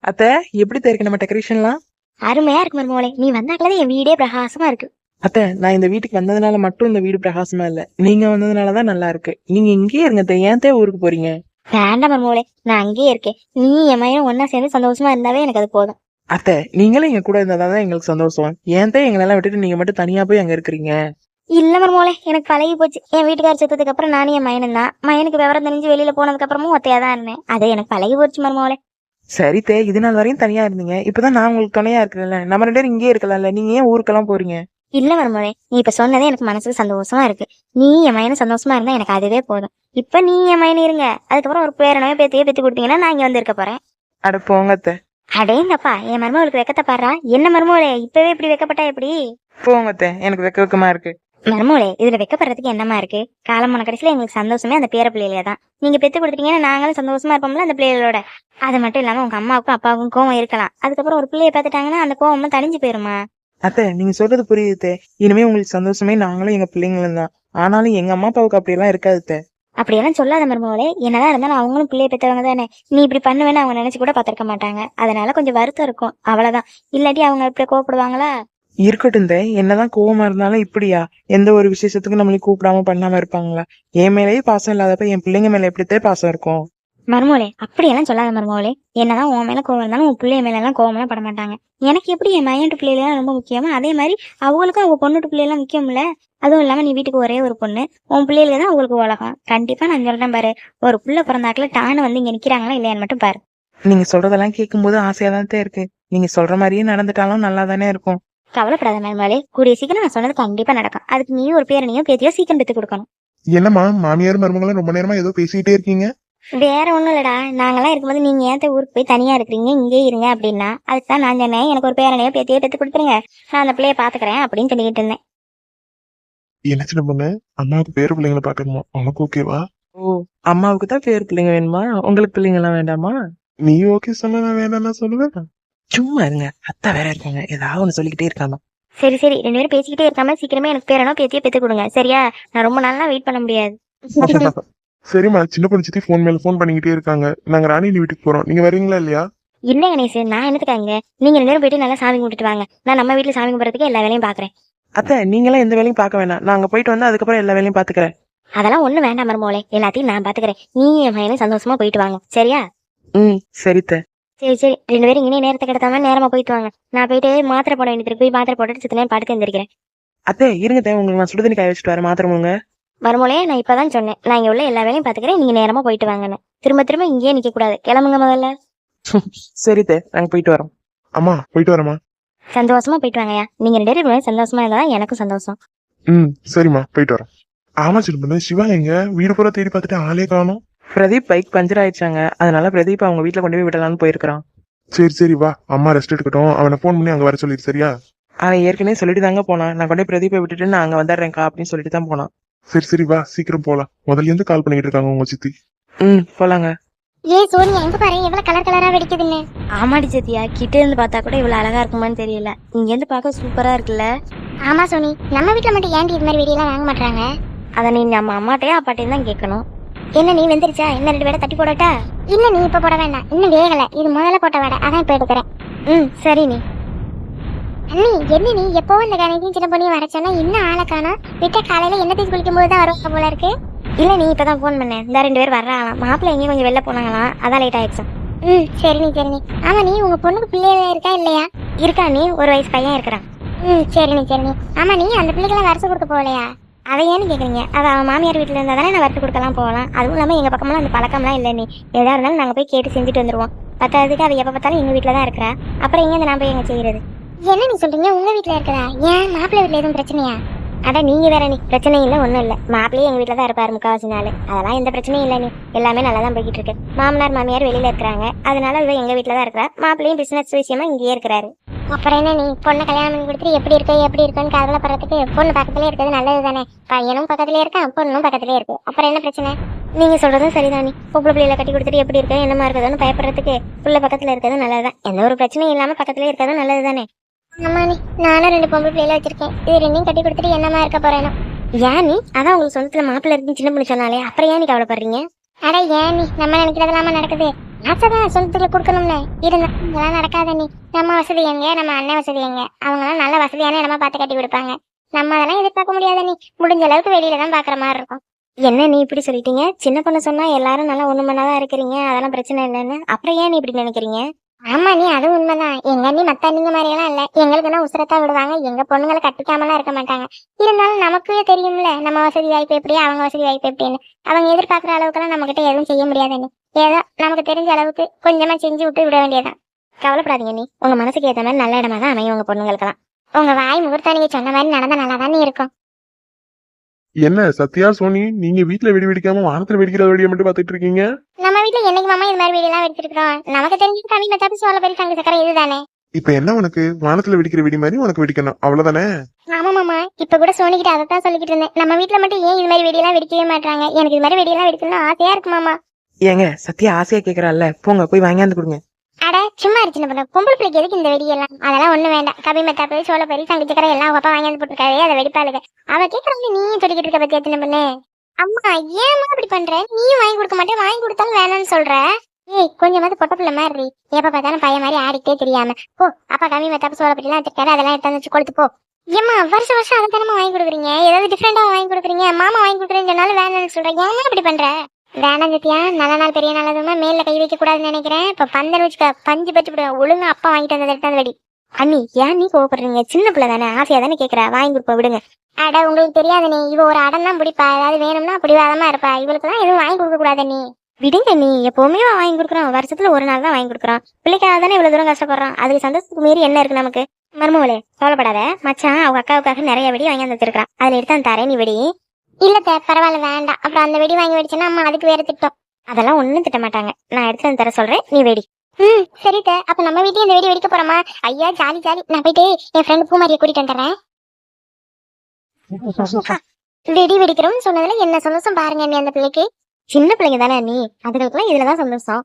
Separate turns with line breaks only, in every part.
அத்தை, எப்படி இருக்கு நம்ம டெக்கரேஷன்லாம்?
அருமையா இருக்கு மருமோளே. நீ வந்தாக்கலதான் என் வீடே பிரகாசமா இருக்கு.
அத்தை, நான் இந்த வீட்டுக்கு வந்ததுனால மட்டும் இந்த வீடு பிரகாசமா இல்ல, நீங்க வந்ததுனாலதான் நல்லா இருக்கு. நீங்க இங்கேயே இருங்க அத்தை, ஏன் ஊருக்கு போறீங்க?
வேண்டாம் மருமோளே, நான் அங்கேயே இருக்கேன். நீ என் மையனும் ஒன்னா சேர்ந்து சந்தோஷமா இருந்தாவே எனக்கு அது போதும்.
அத்தை, நீங்களும் எங்க கூட இருந்தாதான் எங்களுக்கு சந்தோஷம். ஏன் எங்களெல்லாம் விட்டுட்டு நீங்க மட்டும் தனியா போய் அங்க இருக்கிறீங்க?
இல்ல மருமோளே, எனக்கு பழகி போச்சு. என் வீட்டுக்கார செத்ததுக்கு அப்புறம் நானும் என் மயனும் தான். மயனுக்கு விவரம் தெரிஞ்சு வெளியில போனதுக்கு அப்புறமும் ஒத்தையா தான் இருந்தேன். அது எனக்கு பழகி போச்சு மருமோளே.
சரி தே, இது நாள் வரையும் தனியா இருந்தீங்க, இப்பதான் நான் உங்களுக்கு துணையா இருக்கிறேன்ல, நம்ம 2 பேரும் இங்கேயே இருக்கலாம்ல, நீங்க ஏன் ஊருக்கெல்லாம் போறீங்க?
இல்ல மருமோளே, நீ இப்ப சொன்னதே எனக்கு மனசுக்கு சந்தோஷமா இருக்கு. நீ என் மயனும் சந்தோஷமா இருந்தா எனக்கு அதுவே போதும். இப்ப நீ என் மயனு இருங்க, அதுக்கப்புறம் ஒரு பேரனவே பேத்தியே பெத்து கொடுத்தீங்கன்னா நான் இங்க வந்து இருக்க போறேன்.
அட போங்க அத்தை.
அடேங்கப்பா, என் மருமகளுக்கு வெக்கத்தை பாடுறா. என்ன மருமோளே, இப்பவே இப்படி வெக்கப்பட்டா எப்படி?
போங்க அத்தை, எனக்கு வெக்கமா இருக்கு.
மருமோளே, இதுல வெக்கப்படுறதுக்கு என்னமா இருக்கு? காலமான கடைசியில எங்களுக்கு சந்தோஷமே அந்த பேர பிள்ளையிலே தான். நீங்க பெத்து கொடுத்துட்டீங்கன்னா நாங்களும் சந்தோஷமா இருப்போம்ல அந்த பிள்ளைகளோட. அது மட்டும் இல்லாம உங்க அம்மாவுக்கும் அப்பாவுக்கும் கோவம் இருக்கலாம், அதுக்கப்புறம் ஒரு பிள்ளைய பார்த்துட்டாங்கன்னா அந்த கோவமும் தணிஞ்சு போயிருமா?
அத்தை, நீங்க சொல்றது புரியுது. இனிமே உங்களுக்கு சந்தோஷமே நாங்களும் எங்க பிள்ளைங்களும் தான். ஆனாலும் எங்க அம்மா அப்பாவுக்கு அப்படி எல்லாம் இருக்காது அத்தை.
அப்படியெல்லாம் சொல்லாத மருமகளே. என்னதான் இருந்தாலும் அவங்களும் பிள்ளைய பெற்றவங்க தானே. நீ இப்படி பண்ணுவேன்னு அவங்க நினைச்சு கூட பாத்திருக்க மாட்டாங்க. அதனால கொஞ்சம் வருத்தம் இருக்கும், அவ்வளவுதான். இல்லாட்டி அவங்க இப்படி கோவப்படுவாங்களா?
இருக்கட்டும் தே, என்னதான் கோவமா இருந்தாலும் இப்படியா எந்த ஒரு விசேஷத்துக்கு நம்மளை கூப்பிடாம பண்ணாம இருப்பாங்களா? என் மேலேயே பாசம் இல்லாதப்ப என் பிள்ளைங்க மேல எப்படித்தே பாசம் இருக்கும்?
மருமகளே, அப்படியெல்லாம் சொல்லாத மருமகளே. என்னதான் உன் மேல கோவம் இருந்தாலும் உன் பிள்ளைய மேல எல்லாம் கோவம் எல்லாம் பட மாட்டாங்க. எனக்கு எப்படி என் மையன்ட்டு பிள்ளைலாம் ரொம்ப முக்கியமா, அதே மாதிரி அவங்களுக்கும் அவங்க பொண்ணுட்டு பிள்ளைலாம் முக்கியம்ல. அதுவும் இல்லாம நீ வீட்டுக்கு ஒரே ஒரு பொண்ணு, உன் பிள்ளைல தான் அவங்களுக்கு உலகம். கண்டிப்பா நான் சொல்றேன் பாரு, ஒரு புள்ள பிறந்தாக்குல டான்னு வந்து இங்க நிக்கிறாங்களா இல்லையான்னு மட்டும் பாரு.
நீங்க சொல்றதெல்லாம் கேட்கும் போது ஆசையா தான் இருக்கு. நீங்க சொல்ற மாதிரியே நடந்துட்டாலும் நல்லா தானே இருக்கும்.
கவலைப்படாத மருமகளே, கூடிய சீக்கிரம் நான் சொன்னது கண்டிப்பா நடக்கும். அதுக்கு நீயும் ஒரு பேரனையும் பேத்தியோ சீக்கிரம் பெத்து கொடுக்கணும்.
என்னம்மா மாமியார் மருமகளும் ரொம்ப நேரமா ஏதோ பேசிக்கிட்டே இருக்கீங்க?
வேற ஒண்ணும் இல்லடா, நாங்கெல்லாம் இருக்கும்போது நீங்க ஏன் ஊருக்கு போய் தனியா இருக்கிறீங்க, இங்கே இருங்க அப்படின்னா அதுக்குதான் நான் சொன்னேன், எனக்கு ஒரு பேரனையோ பேத்தியோ பெத்து கொடுத்துருங்க, நான் அந்த பிள்ளைய பாத்துக்கிறேன் அப்படின்னு சொல்லிக்கிட்டு இருந்தேன்.
என்ன சின்ன பொண்ணு, அம்மாவுக்கு பேர பிள்ளைங்களை பாக்கணுமா? உனக்கு ஓகேவா?
ஓ, அம்மாவுக்கு தான் பேர் பிள்ளைங்க வேணுமா? உங்களுக்கு பிள்ளைங்க எல்லாம் வேண்டாமா?
நீ ஓகே சொன்ன நான் வேணாம் நான் சொல்லுவேன்.
சும்மா இருங்க, அத்தை வேற இருக்காங்க, ஏதாவது ஒண்ணு சொல்லிக்கிட்டே இருக்காங்க.
சரி சரி, 2 பேரும் பேசிக்கிட்டே இருக்காம சீக்கிரமே எனக்கு பேரனோ பேத்தியோ பெத்து கொடுங்க, சரியா? நான் ரொம்ப நாளா வெயிட் பண்ண முடியாது.
சரிம்மா, சின்ன பொண்ணு சித்தி போன் மேல போன் பண்ணிக்கிட்டே இருக்காங்க. நாங்க ராணி வீட்டுக்கு போறோம், நீங்க வரீங்களா இல்லையா?
இல்ல கணேஷ், நான் என்னத்துக்காங்க? நீங்க 2 பேரும் போயிட்டு நல்லா சாமி கும்பிட்டுட்டு வாங்க. நான் நம்ம வீட்டுல சாமி கும்பிட்றதுக்கு எல்லா வேலையும் பாக்குறேன்.
அத்தை, நீங்களாம் எந்த வேலையும் பார்க்க வேணாம், நான் அங்க போயிட்டு வந்து அதுக்கப்புறம் எல்லா வேலையும் பாத்துக்கிறேன்.
அதெல்லாம் ஒண்ணு வேண்டாம் மருமகளே, எல்லாத்தையும் நான் பாத்துக்கிறேன். நீ என் பையனும் சந்தோஷமா போயிட்டு வாங்க, சரியா?
சரி தே.
சரி சரி, 2 பேரும் இனி நேரத்தை கிடத்தாம நேரமா போயிட்டு வாங்க. நான் போயிட்டு மாத்திரை போட வேண்டியது போய் மாத்திரை போட்டுட்டு சித்த நேரம் படுத்து எந்திரிக்கிறேன்.
அத்தை இருங்க தே, உங்களுக்கு நான் சுடுதண்ணி காய வச்சுட்டு வரேன், மாத்திரம் முழுங்க.
மருமகளே, நான் இப்பதான் சொன்னேன், நான் இங்க உள்ள எல்லா வேலையும் பாத்துக்கிறேன், நீங்க நேரமா போயிட்டு வாங்கன்னு. திரும்ப திரும்ப இங்கேயே நிக்க கூடாது, கிளம்புங்க முதல்ல.
சரி தே, நாங்க போயிட்டு வரோம்.
அம்மா போயிட்டு வரமா?
சந்தோஷமா போயிட்டு வாங்கயா. நீங்க 2 பேரும் சந்தோஷமா இருந்தாதான் எனக்கும் சந்தோஷம்.
சரிம்மா போயிட்டு வரேன். ஆமா சின்ன பொண்ணு, சிவா எங்க? வீடு பூரா தேடி பார்த்துட்டு ஆளே காணோம்.
பிரதீப் பைக் பஞ்சர் ஆயிடுச்சாங்க, அதனால பிரதீப் அவங்க வீட்டுல கொண்டு போய் விடலாம்னு போயிருக்கான்.
சரி சரி வா, அம்மா ரெஸ்ட் எடுக்கட்டும். அவனை போன் பண்ணி அங்க வர சொல்லிடு, சரியா?
அவன் ஏற்கனவே சொல்லிட்டு தாங்க போனான், நான் கொண்டு போய் பிரதீப்பை விட்டுட்டு நான் அங்க வந்துடுறேன்க்கா அப்படின்னு சொல்லிட்டு தான் போனான்.
சரி சரி வா, சீக்கிரம் போலாம். முதல்ல இருந்து கால் பண்ணிட்டு இருக்காங்க உங்க சித்தி.
போலாங்க.
ஏன் சோனியா, எங்க பாரு எவ்வளவு கலர் கலரா வெடிக்குதுன்னு. ஆமாடி சத்தியா, கிட்ட இருந்து பார்த்தா கூட இவ்வளவு அழகா இருக்குமான்னு தெரியல, இங்க இருந்து பார்க்க சூப்பரா இருக்குல்ல. ஆமா சோனி, நம்ம வீட்டுல மட்டும் ஏன்டி இது மாதிரி வெடியெல்லாம் வாங்க மாட்டாங்க? அத நீ நம்ம அம்மாட்டையும் அப்பாட்டையும் தான் கேட்கணும். என்ன நீ வெந்துருச்சா? என்ன 2 பேரை தட்டி போடட்டா? இல்ல நீ இப்ப போட வேண்டாம், இன்னும் வேகல, இது முதல்ல போட்ட வடை, அதான் இப்ப எடுக்கிறேன். சரி நீ. அண்ணி என்ன நீ எப்பவும் இந்த கணக்கையும் சின்ன பொண்ணையும் வர சொன்னா இன்னும் ஆளை காணோம்? விட்ட காலையில என்ன தேய்ச்சி குளிக்கும் போது தான் வருவாங்க போல இருக்கு. இல்ல நீ இப்பதான் போன் பண்ணேன், இந்த 2 பேர் வர்றாங்களாம், மாப்பிள்ளை எங்கேயும் கொஞ்சம் வெளில போனாங்களாம், அதான் லேட் ஆயிடுச்சு. சரி நீ சரி நீ. ஆமா நீ உங்க பொண்ணுக்கு பிள்ளைய இருக்கா இல்லையா? இருக்கா நீ, 1 வயசு பையன் இருக்கிறான். சரி நீ சரி நீ. ஆமா நீ அந்த பிள்ளைக்கெல்லாம் வருஷம் கொடுக்க போகலையா? அதை ஏன்னு கேக்குறீங்க? அது அவன் மாமியார் வீட்டுல இருந்தா தானே நான் வறுத்து கொடுக்கலாம் போகலாம். அதுவும் இல்லாம எங்க பக்கமெல்லாம் அந்த பழக்கம்லாம் இல்லை. நீ எதா இருந்தாலும் நாங்க போய் கேட்டு செஞ்சுட்டு வந்துருவோம். பத்தாவதுக்கு அது எப்ப பார்த்தாலும் எங்க வீட்டுல தான் இருக்கிறா, அப்புறம் எங்க நான் போய் எங்க செய்யறது? என்ன நீ சொல்றீங்க, உங்க வீட்டுல இருக்கிறா? ஏன் மாப்பிள்ளை வீட்டுல எதுவும் பிரச்சனையா? அட நீங்க வேற நீ, பிரச்சனை இல்லை ஒன்றும் இல்லை. மாப்பிள்ளையே எங்கள் வீட்டில் தான் இருப்பாரு முக்கால்வாசி நாள், அதெல்லாம் எந்த பிரச்சனையும் இல்லை. நீ எல்லாமே நல்லா தான் போய்கிட்டு இருக்கு. மாமனார் மாமியார் வெளியில் இருக்கிறாங்க, அதனால இவ எங்கள் வீட்டில் தான் இருக்கிறா. மாப்பிள்ளையும் பிஸ்னஸ் விஷயமா இங்கேயே இருக்கிறாரு. அப்புறம் என்ன நீ பொண்ணை கல்யாணம் பண்ணி கொடுத்துட்டு எப்படி இருக்குன்னு கவலைப்படுறதுக்கு பொண்ணு பக்கத்துலேயே இருக்கிறது நல்லது தானே. பையனும் பக்கத்துலேயே இருக்கான், பொண்ணும் பக்கத்துலேயே இருக்கு, அப்புறம் என்ன பிரச்சனை? நீங்க சொல்றதும் சரிதான். நீ பொம்பளை பிள்ளைகளை கட்டி கொடுத்துட்டு எப்படி இருக்கு என்னமா இருக்குதுன்னு பயப்படுறதுக்கு புள்ள பக்கத்தில் இருக்கிறது நல்லதுதான். எந்த ஒரு பிரச்சனையும் இல்லாமல் பக்கத்துலேயே இருக்கிறது நல்லது தானே. ஆமா நீ, நானும் 2 பொம்பளை பிள்ளைல வச்சிருக்கேன், இது 2ஐயும் கட்டி கொடுத்துட்டு என்னமா இருக்க போறேனோ. ஏன் நீ? அதான் உங்களுக்கு சொந்தத்துல மாப்பிள்ளை இருக்குன்னு சின்ன பொண்ணு சொன்னாலே, அப்புறம் ஏன் நீ கவலைப்படுறீங்க? அட ஏன் நீ, நம்ம நினைக்கிறதெல்லாம நடக்குது. ஆசைதான் சொந்தத்துல கொடுக்கணும்னு இருந்தாலும் இதெல்லாம் நடக்காத நீ. நம்ம வசதி எங்க, நம்ம அண்ணன் வசதி எங்க, அவங்களாம் நல்ல வசதியான இடமா பார்த்து கட்டி கொடுப்பாங்க. நம்ம அதெல்லாம் எதிர்பார்க்க முடியாத நீ. முடிஞ்ச அளவுக்கு வெளியில தான் பாக்குற மாதிரி இருக்கும். என்ன நீ இப்படி சொல்லிட்டீங்க? சின்ன பொண்ணு சொன்னா எல்லாரும் நல்லா ஒண்ணு மண்ணாதான் இருக்கிறீங்க, அதெல்லாம் பிரச்சனை இல்லைன்னு. அப்புறம் ஏன் நீ இப்படி நினைக்கிறீங்க? ஆமா நீ, அது உண்மைதான். எங்க அண்ணி மத்த அண்ணிங்க மாதிரி எல்லாம் இல்ல. எங்களுக்குன்னா உசுரத்தான் விடுவாங்க. எங்க பொண்ணுங்களை கட்டிக்காமலாம் இருக்க மாட்டாங்க. இருந்தாலும் நமக்கே தெரியும்ல நம்ம வசதி வாய்ப்பு எப்படி, அவங்க வசதி வாய்ப்பு எப்படின்னு. அவங்க எதிர்பார்க்குற அளவுக்குலாம் நம்ம கிட்ட எதுவும் செய்ய முடியாது நீ. ஏதோ நமக்கு தெரிஞ்ச அளவுக்கு கொஞ்சமா செஞ்சு விட்டு விட வேண்டியதான். கவலைப்படாதீங்க நீ. உங்க மனசுக்கு ஏற்ற மாதிரி நல்ல இடமா தான் அமையும் உங்க பொண்ணுங்களுக்கெல்லாம். உங்க வாய் முகூர்த்தம் நீங்க சொன்ன மாதிரி நடந்தா நல்லா தானே இருக்கும்.
என்ன சத்யா சோனி, நீங்க வீட்ல வெடி வெடிக்காம வானத்துல வெடிக்கிற வெடியை மட்டும் பாத்துட்டு இருக்கீங்க?
நம்ம வீட்டுல என்னைக்கு மாமா இது மாதிரி வெடியெல்லாம் வெடிச்சிருக்கோம்? நமக்கு தெரிஞ்சு கம்மி மச்சாப்பி சோள பெரிய தங்க சக்கரை இதுதானே.
இப்ப என்ன உனக்கு வானத்துல வெடிக்கிற வெடி மாதிரி உனக்கு வெடிக்கணும் அவ்வளவுதானே?
ஆமா மாமா, இப்ப கூட சோனிக்கிட்ட அதைத்தான் சொல்லிக்கிட்டு இருந்தேன். நம்ம வீட்டுல மட்டும் ஏன் இது மாதிரி வெடியெல்லாம் வெடிக்கவே மாட்டாங்க? எனக்கு இது மாதிரி வெடியெல்லாம் வெடிக்கணும்னு ஆசையா இருக்கு மாமா.
ஏங்க சத்யா ஆசையா கேக்குறாள்ல, போங்க போய் வாங்கியாந்து கொடுங்க.
அட சும்மா இருந்துச்சு பண்ண பொம்பளை பிள்ளைக்கு எதுக்கு இந்த வெடியெல்லாம்? அதெல்லாம் ஒண்ணு வேண்டாம். கபி மெத்தாப்பு சோள பெரி தங்க சக்கரை எல்லாம் அப்பா வாங்கியாந்து போட்டுருக்காவே, அதை வெடிப்பாளுங்க. அவ கேக்குறாங்க நீயும் சொல்லிக்கிட்டு இருக்க பத்தி எத்தனை பண்ணு. அம்மா ஏமா அப்படி பண்ற? நீயும் வாங்கி கொடுக்க மாட்டேன், வாங்கி கொடுத்தாலும் வேணாம்னு சொல்ற. ஏய் கொஞ்சமாவது பொட்ட பிள்ளை மாதிரி, எப்ப பார்த்தாலும் பையன் மாதிரி ஆடிக்கிட்டே தெரியாம போ. அப்பா கம்மி மெத்தாப்பு சோள பெரியெல்லாம் வச்சிருக்காரு, அதெல்லாம் எடுத்து வச்சு கொளுத்து போ. ஏமா வருஷம் வருஷம் அதை தானே வாங்கி கொடுக்குறீங்க, ஏதாவது டிஃப்ரெண்டா வாங்கி கொடுக்குறீங்க. மாமா வாங்கி கொடுக்குறேன்னு சொன்னாலும் வேணாம்னு சொல்றேன். ஏமா அப்படி பண்ற? வேணாம் சத்தியா, நல்ல நாள் பெரிய நாள் அதுமா மேல கை வைக்க கூடாதுன்னு நினைக்கிறேன். இப்ப பந்தல் வச்சுக்க, பஞ்சு பச்சு விடுவேன். ஒழுங்கா அப்பா வாங்கிட்டு வந்தது எடுத்தாந்து வெடி. அண்ணி ஏன் நீ கோவப்படுறீங்க? சின்ன பிள்ளை தானே, ஆசையா தானே கேக்குறா, வாங்கி கொடுப்ப விடுங்க. அட உங்களுக்கு தெரியாது நீ, இவ ஒரு அடம் தான் பிடிப்பா. ஏதாவது வேணும்னா பிடிவாதமா இருப்பா. இவளுக்கு தான் எதுவும் வாங்கி கொடுக்க கூடாது நீ. விடுங்க நீ, எப்பவுமே வாங்கி கொடுக்குறோம். வருஷத்துல ஒரு நாள் தான் வாங்கி கொடுக்குறோம். பிள்ளைக்காக தானே இவ்வளவு தூரம் கஷ்டப்படுறோம். அதுக்கு சந்தோஷத்துக்கு மீறி என்ன இருக்கு நமக்கு? மருமகளே கவலைப்படாத. மச்சான் அவங்க அக்காவுக்காக நிறைய வெடி வாங்கி வந்து வச்சிருக்கான், அதுல எடுத்து அந்த தரேன் நீ வெடி. இல்ல பரவாயில்ல வேண்டாம். அப்புறம் அந்த வெடி வாங்கி வெடிச்சுன்னா அம்மா அதுக்கு வேற திட்டம். அதெல்லாம் ஒண்ணும் திட்ட மாட்டாங்க. நான் எடுத்து வந்து தர சொல்றேன், நீ வெடி. சரி அப்ப நம்ம வீட்டையும் இந்த வெடி வெடிக்க போறோமா? ஐயா ஜாலி ஜாலி. நான் போயிட்டு என் ஃப்ரெண்ட் பூமாரியை கூட்டிட்டு வந்துடுறேன். வெடி வெடிக்கிறோம்னு சொன்னதுல என்ன சந்தோஷம் பாருங்க நீ. அந்த பிள்ளைக்கு சின்ன பிள்ளைங்க தானே நீ, அதுகளுக்குலாம் இதுலதான் சந்தோஷம்.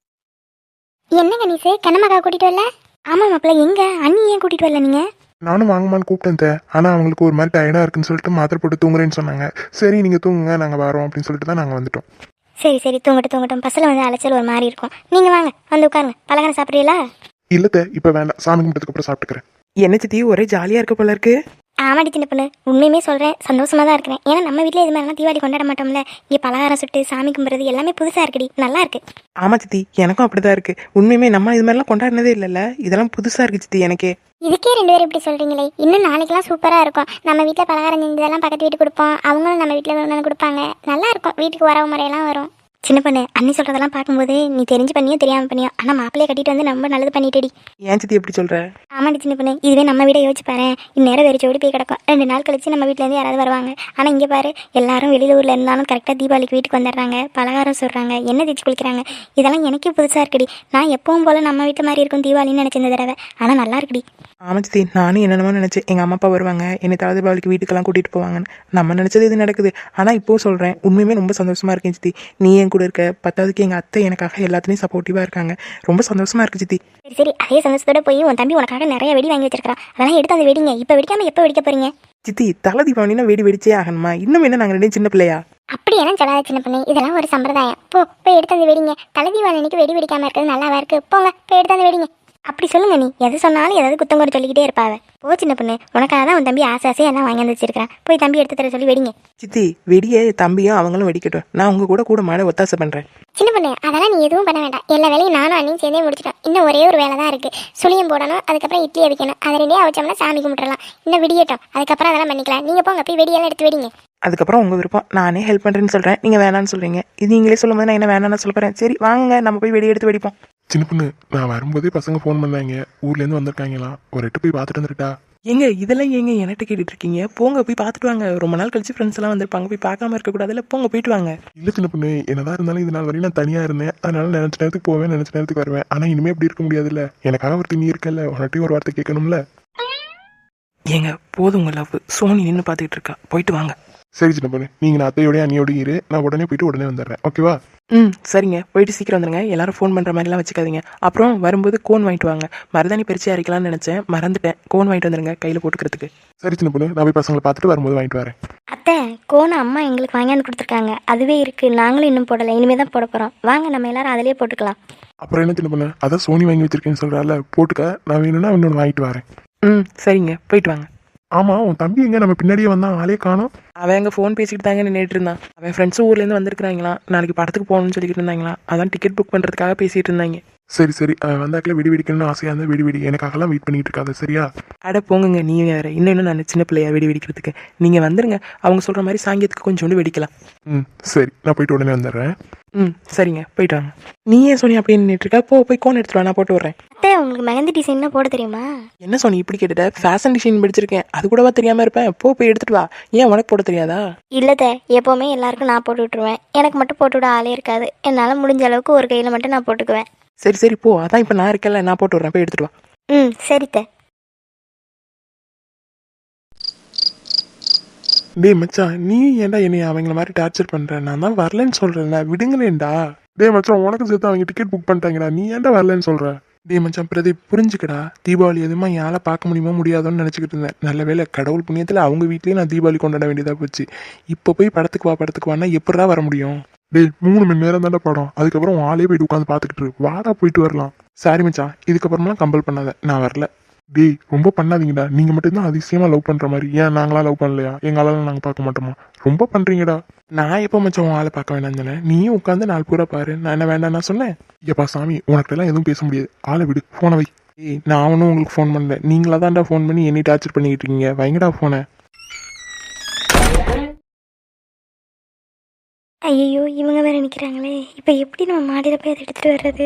என்ன கணேசு கண்ணம்மாக்கா கூட்டிட்டு வரல? ஆமா மாப்பிள்ள, எங்க அண்ணி ஏன் கூட்டிட்டு வரல நீங்க?
நானும் வாங்கம்மான்னு கூப்பிட்டேன். ஆனா அவங்களுக்கு ஒரு மாதிரி டயர்டா இருக்குன்னு சொல்லிட்டு மாத்திரை போட்டு தூங்குறேன்னு சொன்னாங்க. சரி நீங்க தூங்குங்க, நாங்க வரோம் அப்படின்னு சொல்லிட்டு தான் நாங்க வந்துட்டோம்.
சரி தூங்கட்டும். பஸ்ல வந்து அலைச்சல் ஒரு மாதிரி இருக்கும். நீங்க வாங்க வந்து உட்காருங்க. பலகாரம் சாப்பிடுறீங்களா?
இல்லத்த இப்ப வேண்டாம், சாமி கும்பிட்டதுக்கு அப்புறம் சாப்பிட்டுக்கிறேன்.
என்ன சித்தி ஒரே ஜாலியா இருக்க போல இருக்கு.
ஆமாடி சின்ன பொண்ணு, உண்மையுமே சொல்றேன், சந்தோஷமா தான் இருக்கிறேன். ஏன்னா நம்ம வீட்டுல இது மாதிரிலாம் தீபாவளி கொண்டாட மாட்டோம்ல. இங்க பலகாரம் சுட்டு சாமி கும்பிடுறது எல்லாமே புதுசா இருக்குடி, நல்லா இருக்கு.
ஆமா சித்தி எனக்கும் அப்படிதான் இருக்கு. உண்மையுமே நம்ம இது மாதிரிலாம் கொண்டாடினதே இல்லைல்ல, இதெல்லாம் புதுசா இருக்கு சித்தி எனக்கே.
இதுக்கே 2 பேரும் இப்படி சொல்றீங்களே, இன்னும் நாளைக்கெல்லாம் சூப்பரா இருக்கும். நம்ம வீட்டுல பலகாரம் செஞ்சதெல்லாம் பக்கத்து வீட்டுக்கு கொடுப்போம், அவங்களும் நம்ம வீட்டுல ஒன்று கொடுப்பாங்க. நல்லா இருக்கும். வீட்டுக்கு வரவு முறையெல்லாம் வரும். சின்ன பொண்ணு, அண்ணி சொல்றதெல்லாம் பார்க்கும்போது நீ தெரிஞ்சு பண்ணியோ தெரியாம பண்ணியோ, ஆனா மாப்பிள்ளைய கட்டிட்டு வந்து ரொம்ப நல்லது பண்ணிட்டடி.
ஏன் சித்தி எப்படி சொல்ற?
ஆமாடி சின்ன பொண்ணு, இதுவே நம்ம வீட யோசிச்சு பாரு. இந்நேரம் வெறிச்சு ஓடி போய் கிடக்கும். 2 நாள் கழிச்சு நம்ம வீட்டுல இருந்து யாராவது வருவாங்க. ஆனா இங்க பாரு, எல்லாரும் வெளியில ஊர்ல இருந்தாலும் கரெக்டா தீபாவளிக்கு வீட்டுக்கு வந்துடுறாங்க, பலகாரம் சொல்றாங்க, எண்ணெய் தேய்ச்சி குளிக்கிறாங்க. இதெல்லாம் எனக்கே புதுசா இருக்குடி. நான் எப்பவும் போல நம்ம வீட்டு மாதிரி இருக்கும் தீபாவளின்னு நினைச்சிருந்த தடவை, ஆனா நல்லா இருக்குடி.
ஆமா சித்தி, நானும் என்னென்னமோ நினைச்சேன். எங்க அம்மா அப்பா வருவாங்க, என்னை தலை தீபாவளிக்கு வீட்டுக்கெல்லாம் கூட்டிட்டு போவாங்கன்னு. நம்ம நினைச்சது இது நடக்குது. ஆனா இப்போ சொல்றேன், உண்மையுமே ரொம்ப சந்தோஷமா இருக்கேன் சித்தி. நீ என் கூட இருக்க, பத்தாவதுக்கு எங்க அத்தை எனக்காக எல்லாத்துலயும் சப்போர்ட்டிவா இருக்காங்க. ரொம்ப சந்தோஷமா இருக்கு சித்தி.
சரி அதே சந்தோஷத்தோட போய் உன் தம்பி உனக்காக நிறைய வெடி வாங்கி வச்சிருக்கான், அதெல்லாம் எடுத்து அந்த வெடிங்க. இப்ப வெடிக்காம எப்ப வெடிக்க போறீங்க?
சித்தி தலை தீபாவளினா வெடி வெடிச்சே ஆகணுமா? இன்னும் என்ன நாங்க 2 சின்ன பிள்ளையா?
அப்படியெல்லாம் சொல்லாத சின்ன பொண்ணு, இதெல்லாம் ஒரு சம்பிரதாயம். போய் எடுத்து அந்த வெடிங்க. தலை தீபாவளி அன்னைக்கு வெடி வெடிக்காம இருக்கிறது நல்லாவா இருக்கு? போங்க போய் எடுத்து அந்த வெடிங்க. அப்படி சொல்லுங்க நீ, எது சொன்னாலும் ஏதாவது குத்தம் குறை சொல்லிக்கிட்டே இருப்பாவ. போ சின்ன பொண்ணு, உனக்காக தான் உன் தம்பி ஆசை எல்லாம் வாங்கி வந்து வச்சிருக்கான். போய் தம்பி எடுத்து தர சொல்லி வெடிங்க.
சித்தி வெடியே தம்பியும் அவங்களும் வெடிக்கட்டும், நான் உங்க கூட மாட ஒத்தாசை பண்றேன்.
சின்ன பொண்ணு அதெல்லாம் நீ எதுவும் பண்ண வேண்டாம். எல்லா வேலையும் நானும் அண்ணியும் சேர்ந்தே முடிச்சிட்டோம். இன்னும் ஒரே ஒரு வேலை தான் இருக்கு. சுளியம் போடணும், அதுக்கப்புறம் இட்லி அவிக்கணும். அதை 2 வச்சோம்னா சாமி கும்பிட்டுலாம். இன்னும் விடியட்டும், அதுக்கப்புறம் அதெல்லாம் பண்ணிக்கலாம். நீங்க போங்க போய் வெடியெல்லாம் எடுத்து வெடிங்க.
அதுக்கப்புறம் உங்க விருப்பம். நானே ஹெல்ப் பண்றேன்னு சொல்றேன், நீங்க வேணான்னு சொல்றீங்க. இது நீங்களே சொல்லும் போது நான் என்ன வேணான்னு சொல்ல போறேன். சரி வாங்க நம்ம போய் வெடி எடுத்து வெடிப்போம்.
சின்ன பொண்ணு, நான் வரும்போதே பசங்க ஃபோன் பண்ணாங்க, ஊர்ல இருந்து வந்திருக்காங்களாம். ஒரு எட்டு போய் பார்த்துட்டு வந்துட்டா.
ஏங்க இதெல்லாம் ஏங்க என்கிட்ட கேட்டுட்டு இருக்கீங்க? போங்க போய் பார்த்துட்டு வாங்க. ரொம்ப நாள் கழிச்சு ஃப்ரெண்ட்ஸ் எல்லாம் வந்திருப்பாங்க, போய் பார்க்காம இருக்க கூடாதுல்ல. போங்க போயிட்டு வாங்க.
இல்ல சின்ன பொண்ணு, என்னதான் இருந்தாலும் இது நாள் வரையும் நான் தனியா இருந்தேன். அதனால நினைச்ச நேரத்துக்கு போவேன், நினைச்ச நேரத்துக்கு வருவேன். ஆனா இனிமே அப்படி இருக்க முடியாதுல்ல. எனக்காக ஒருத்தர் நீ இருக்கல, உன்கிட்டயும் ஒரு வார்த்தை கேட்கணும்ல.
ஏங்க போதும் உங்க லவ். சோனி நின்று பார்த்துக்கிட்டு இருக்கா, போயிட்டு வாங்க.
சரி சின்ன பொண்ணு, நீங்க நான் அத்தையோடய அண்ணியோடய இரு, நான் உடனே போயிட்டு உடனே வந்துடுறேன், ஓகேவா?
சரிங்க, போயிட்டு சீக்கிரம் வந்துடுங்க. எல்லாரும் ஃபோன் பண்ணுற மாதிரிலாம் வச்சுக்காதீங்க. அப்புறம் வரும்போது கோன் வாங்கிட்டு வாங்க. மருதாணி பறிச்சு அரைக்கலாம்னு நினச்சேன், மறந்துட்டேன். கோன் வாங்கிட்டு வந்துடுங்க கையில் போட்டுக்கிறதுக்கு.
சரி சின்ன பொண்ணு, நான் போய் பசங்களை பார்த்துட்டு வரும்போது வாங்கிட்டு வரேன்.
அத்தை கோன் அம்மா எங்களுக்கு வாங்கியாந்து கொடுத்துருக்காங்க, அதுவே இருக்கு. நாங்களும் இன்னும் போடலை, இனிமே தான் போட போகிறோம். வாங்க நம்ம எல்லாரும் அதிலே போட்டுக்கலாம்.
அப்புறம் என்ன சின்ன பொண்ணு, அதான் சோனி வாங்கி வச்சிருக்கேன்னு சொல்கிறாள், போட்டுக்க. நான் வேணும்னா இன்னொன்று வாங்கிட்டு வரேன்.
சரிங்க, போயிட்டு வாங்க.
ஆமாம், உன் தம்பி எங்கே? நம்ம பின்னாடியே வந்தான், ஆளே காணோம்.
அவன் எங்கள் ஃபோன் பேசிக்கிட்டு தாங்க நின்றுட்டு இருந்தான். அவன் ஃப்ரெண்ட்ஸும் ஊர்லேருந்து வந்திருக்கிறாங்களாம், நாளைக்கு படத்துக்கு போகணும்னு சொல்லிக்கிட்டு இருந்தாங்களா, அதான் டிக்கெட் புக் பண்ணுறதுக்காக பேசிகிட்டு இருந்தாங்க.
சரி சரி, வந்தாக்கில் வெடி வெடிக்கணும்னு ஆசையாக இருந்தால் வெடி வெடி, எனக்காகலாம் வெயிட் பண்ணிட்டு இருக்காது, சரியா?
அட போங்குங்க, நீ வேறு. இன்னும் நான் சின்ன பிள்ளையா வெடி வெடிக்கிறதுக்கு. நீங்கள் வந்துடுங்க, அவங்க சொல்கிற மாதிரி சாங்கியத்துக்கு கொஞ்சோண்டு வெடிக்கலாம்.
சரி, நான் போயிட்டு உடனே வந்துடுறேன்.
சரிங்க, போயிட்டு வாங்க. நீ ஏன் சோனி அப்படியே நின்றுட்டு இருக்கா? போய் கோன் எடுத்துட்டு வா, நான் போட்டு வரேன்.
அத்தை உங்களுக்கு மெஹந்தி டிசைன்லாம் போட தெரியுமா?
என்ன சோனி இப்படி கேட்டுட்ட? ஃபேஷன் டிசைன் படிச்சிருக்கேன், அது கூடவா தெரியாமல் இருப்பேன்? போய் எடுத்துட்டு வா. ஏன் உனக்கு போட தெரியாதா?
இல்லைத்த, எப்போவுமே எல்லாருக்கும் நான் போட்டு விட்டுருவேன், எனக்கு மட்டும் போட்டு விட ஆளே இருக்காது. என்னால் முடிஞ்ச அளவுக்கு ஒரு கையில் மட்டும் நான் போட்டுக்குவேன்.
சரி போ, அதான் இப்போ நான் இருக்கல, நான் போட்டு விட்றேன், போய் எடுத்துட்டு வா.
சரித்த.
டேய் மச்சான், நீ ஏன்டா என்னை அவங்கள மாதிரி டார்ச்சர் பண்ற? நான் தான் வரலன்னு சொல்றேன்ல, விடுங்களேன்டா. டேய் மச்சான், உனக்கு சேர்த்து அவங்க டிக்கெட் புக் பண்ணிட்டாங்கடா, நீ ஏன்டா வரலன்னு சொல்ற? டேய் மச்சான் பிரதீப், புரிஞ்சுக்கடா. தீபாவளி எதுவுமா யாரை பார்க்க முடியுமோ முடியாதோன்னு நினச்சிக்கிட்டு இருந்தேன். நல்ல வேளை கடவுள் புண்ணியத்தில் அவங்க வீட்லேயே நான் தீபாவளி கொண்டாட வேண்டியதாக போச்சு. இப்போ போய் படத்துக்கு வான்னா எப்படா வர முடியும்? டேய் 3 மணி நேரம் தானே படம், அதுக்கப்புறம் ஆளே போயிட்டு உட்காந்து பார்த்துக்கிட்டு இரு. வாடா போயிட்டு வரலாம். சாரி மச்சான், இதுக்கப்புறமெல்லாம் கம்பல் பண்ணாத, நான் வரல. டேய் ரொம்ப பண்ணாதீங்கடா, நீங்கள் மட்டும்தான் அதிசயமாக லவ் பண்ணுற மாதிரி. ஏன் நாங்களாம் லவ் பண்ணலையா? எங்களால் நாங்கள் பார்க்க மாட்டோமா? ரொம்ப பண்ணுறீங்கடா. நான் எப்போ மச்சான் உன் ஆளை பார்க்க வேண்டாம்னு சொன்னேன்? நீயும் உட்காந்து நாள் பூரா பாரு, நான் என்ன வேண்டாம் நான் சொன்னேன்? எப்பா சாமி, உனக்கிட்டலாம் எதுவும் பேச முடியாது, ஆளை விடு, ஃபோனை வை. ஏய் நான் ஒன்றும் உங்களுக்கு ஃபோன் பண்ணல, நீங்களா தான்டா ஃபோன் பண்ணி என்னை டார்ச்சர் பண்ணிக்கிட்டு இருக்கீங்க. வைங்கடா ஃபோனை.
ஐயோ இவங்க வேற நிற்கிறாங்களே, இப்போ எப்படி நம்ம மாடியில் போய் அதை எடுத்துகிட்டு வர்றது?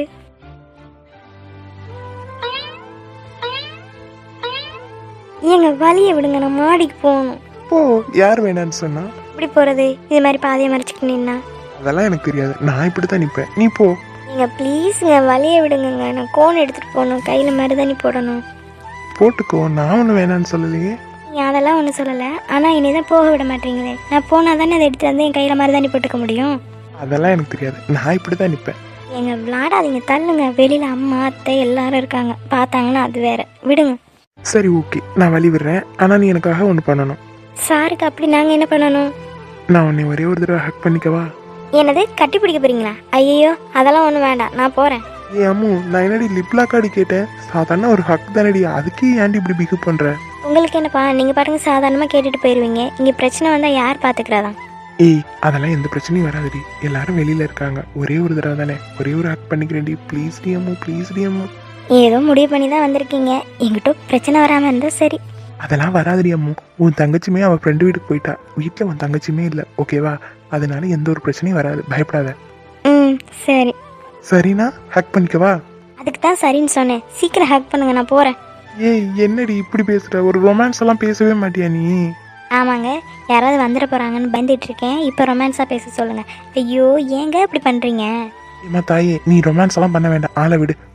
ஏங்க வழியை விடுங்க, நான் மாடிக்கு போகணும்.
ஓ, யார் வேணான்னு சொன்னா?
எப்படி போகிறது? இது மாதிரி பாதையை மறைச்சிக்கிட்டு நின்னா?
அதெல்லாம் எனக்கு தெரியாது, நான் இப்படி தான் நிற்பேன், நீ போ.
நீங்கள் ப்ளீஸுங்க வழியை விடுங்கங்க, நான் கோன் எடுத்துகிட்டு போகணும், கையில் மருதாணி போடணும்.
போட்டுக்கோ, நான் ஒன்றும் வேணான்னு சொல்லலையே.
நீங்கள் அதெல்லாம் ஒன்றும் சொல்லலை, ஆனால் என்னை தான் போக விட மாட்டீங்களே. நான் போனால் தானே அதை எடுத்துகிட்டு வந்து என் கையில் மருதாணி போட்டுக்க முடியும்.
அதெல்லாம் எனக்கு தெரியாது, நான் இப்படி தான் நிற்பேன்.
எங்க விளாடாதீங்க, தள்ளுங்க. வெளியில் அம்மா அத்தை எல்லாரும் இருக்காங்க, பார்த்தாங்கன்னா அது வேற. விடுங்க.
சரி ஓகே, நான் வழி விடுறேன். ஆனால் நீ எனக்காக ஒன்று பண்ணணும்.
சாருக்கு அப்படி நாங்கள் என்ன பண்ணணும்?
நான் உன்னை ஒரே ஒரு தடவை ஹக் பண்ணிக்கவா?
என்னது கட்டி பிடிக்க போறீங்களா? ஐயோ அதெல்லாம் ஒன்றும் வேண்டாம், நான் போகிறேன்.
ஏ அம்மு, நான் என்னடி லிப்லாக்காடி கேட்டேன், சாதாரண ஒரு ஹக் தானடி, அதுக்கே ஏன்டி இப்படி பிஹேவ் பண்ணுற?
உங்களுக்கு என்னப்பா, நீங்கள் பாருங்க சாதாரணமாக கேட்டுட்டு போயிடுவீங்க, இங்கே பிரச்சனை வந்தால் யார் பார்த்துக்கிறதான்?
ஏய் அதெல்லாம் எந்த பிரச்சனையும் வராதுடி, எல்லாரும் வெளியில் இருக்காங்க, ஒரே ஒரு தடவை தானே, ஒரே ஒரு ஹக் பண்ணிக்கிறேன்டி, ப்ளீஸ் டி அம்மு, ப்ளீஸ் டி அம்மு.
ஏதோ முடிவு பண்ணி தான் வந்திருக்கீங்க, எங்கிட்ட பிரச்சனை வராமல் இருந்தால் சரி.
அதெல்லாம் வராதுடி அம்மு, உன் தங்கச்சியுமே அவள் ஃப்ரெண்டு வீட்டுக்கு போயிட்டா, வீட்டில் உன் தங்கச்சியுமே இல்லை, ஓகேவா? அதனால எந்த ஒரு பிரச்சனையும் வராது, பயப்படாத.
சரி.
சரிண்ணா, ஹக் பண்ணிக்கவா?
அதுக்கு தான் சரின்னு சொன்னேன், சீக்கிரம் ஹேக் பண்ணுங்க, நான் போகிறேன்.
ஏய் என்னடி இப்படி பேசுற? ஒரு ரொமான்ஸ் எல்லாம் பேசவே மாட்டியா நீ?
ஆமாங்க, யாராவது வந்துட போகிறாங்கன்னு பயந்துட்டு இருக்கேன், இப்போ ரொமான்ஸாக பேச சொல்லுங்கள். ஐயோ ஏங்க இப்படி பண்ணுறீங்க?
ஏமா தாயே, நீ ரொமான்ஸ் எல்லாம் பண்ண வேண்டாம், ஆளை விடு.